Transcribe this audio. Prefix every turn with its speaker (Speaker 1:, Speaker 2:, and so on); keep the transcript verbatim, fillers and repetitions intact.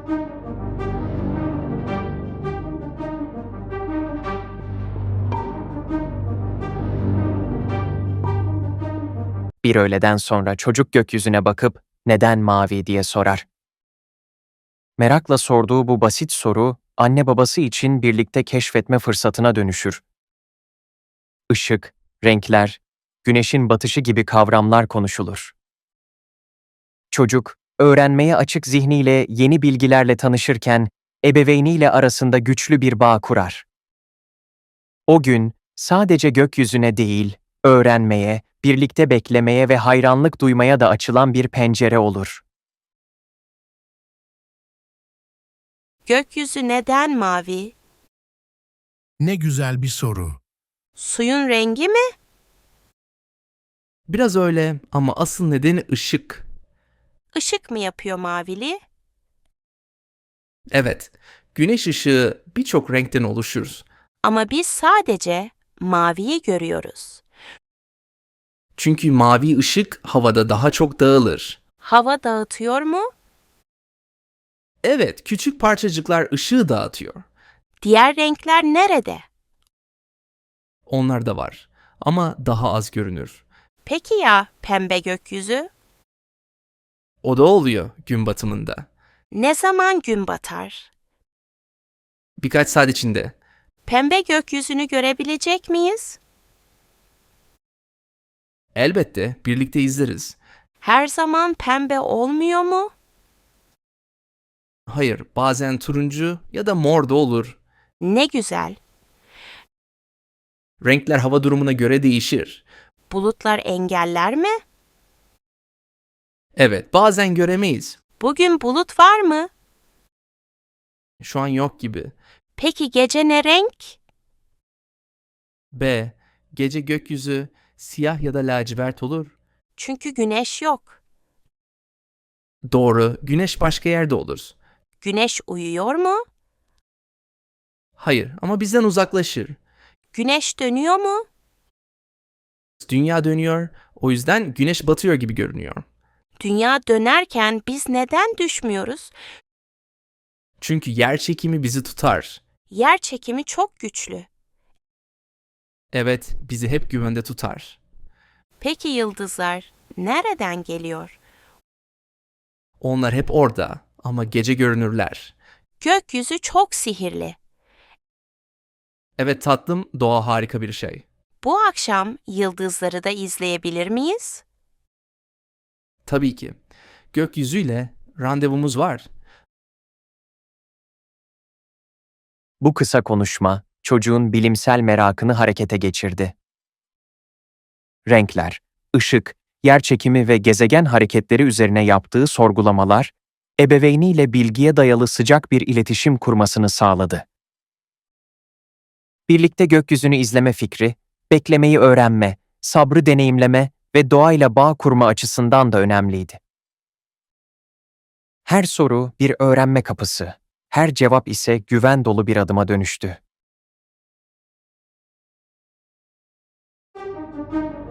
Speaker 1: Bir öğleden sonra çocuk gökyüzüne bakıp "Neden mavi?" diye sorar. Merakla sorduğu bu basit soru, anne babası için birlikte keşfetme fırsatına dönüşür. Işık, renkler, güneşin batışı gibi kavramlar konuşulur. Çocuk, öğrenmeye açık zihniyle yeni bilgilerle tanışırken, ebeveyniyle arasında güçlü bir bağ kurar. O gün, sadece gökyüzüne değil, öğrenmeye, birlikte beklemeye ve hayranlık duymaya da açılan bir pencere olur.
Speaker 2: Gökyüzü neden mavi?
Speaker 3: Ne güzel bir soru.
Speaker 2: Suyun rengi mi?
Speaker 4: Biraz öyle ama asıl nedeni ışık.
Speaker 2: Işık mı yapıyor mavili?
Speaker 4: Evet, güneş ışığı birçok renkten oluşur.
Speaker 2: Ama biz sadece maviyi görüyoruz.
Speaker 4: Çünkü mavi ışık havada daha çok dağılır.
Speaker 2: Hava dağıtıyor mu?
Speaker 4: Evet, küçük parçacıklar ışığı dağıtıyor.
Speaker 2: Diğer renkler nerede?
Speaker 4: Onlar da var ama daha az görünür.
Speaker 2: Peki ya pembe gökyüzü?
Speaker 4: O da oluyor gün batımında.
Speaker 2: Ne zaman gün batar?
Speaker 4: Birkaç saat içinde.
Speaker 2: Pembe gökyüzünü görebilecek miyiz?
Speaker 4: Elbette birlikte izleriz.
Speaker 2: Her zaman pembe olmuyor mu?
Speaker 4: Hayır, bazen turuncu ya da mor da olur.
Speaker 2: Ne güzel.
Speaker 4: Renkler hava durumuna göre değişir.
Speaker 2: Bulutlar engeller mi?
Speaker 4: Evet, bazen göremeyiz.
Speaker 2: Bugün bulut var mı?
Speaker 4: Şu an yok gibi.
Speaker 2: Peki gece ne renk?
Speaker 4: B. Gece gökyüzü siyah ya da lacivert olur.
Speaker 2: Çünkü güneş yok.
Speaker 4: Doğru, güneş başka yerde olur.
Speaker 2: Güneş uyuyor mu?
Speaker 4: Hayır ama bizden uzaklaşır.
Speaker 2: Güneş dönüyor mu?
Speaker 4: Dünya dönüyor, o yüzden güneş batıyor gibi görünüyor.
Speaker 2: Dünya dönerken biz neden düşmüyoruz?
Speaker 4: Çünkü yer çekimi bizi tutar.
Speaker 2: Yer çekimi çok güçlü.
Speaker 4: Evet, bizi hep güvende tutar.
Speaker 2: Peki yıldızlar nereden geliyor?
Speaker 4: Onlar hep orada ama gece görünürler.
Speaker 2: Gökyüzü çok sihirli.
Speaker 4: Evet tatlım, doğa harika bir şey.
Speaker 2: Bu akşam yıldızları da izleyebilir miyiz?
Speaker 4: Tabii ki. Gökyüzüyle randevumuz var.
Speaker 1: Bu kısa konuşma, çocuğun bilimsel merakını harekete geçirdi. Renkler, ışık, yerçekimi ve gezegen hareketleri üzerine yaptığı sorgulamalar, ebeveyniyle bilgiye dayalı sıcak bir iletişim kurmasını sağladı. Birlikte gökyüzünü izleme fikri, beklemeyi öğrenme, sabrı deneyimleme ve doğayla bağ kurma açısından da önemliydi. Her soru bir öğrenme kapısı, her cevap ise güven dolu bir adıma dönüştü.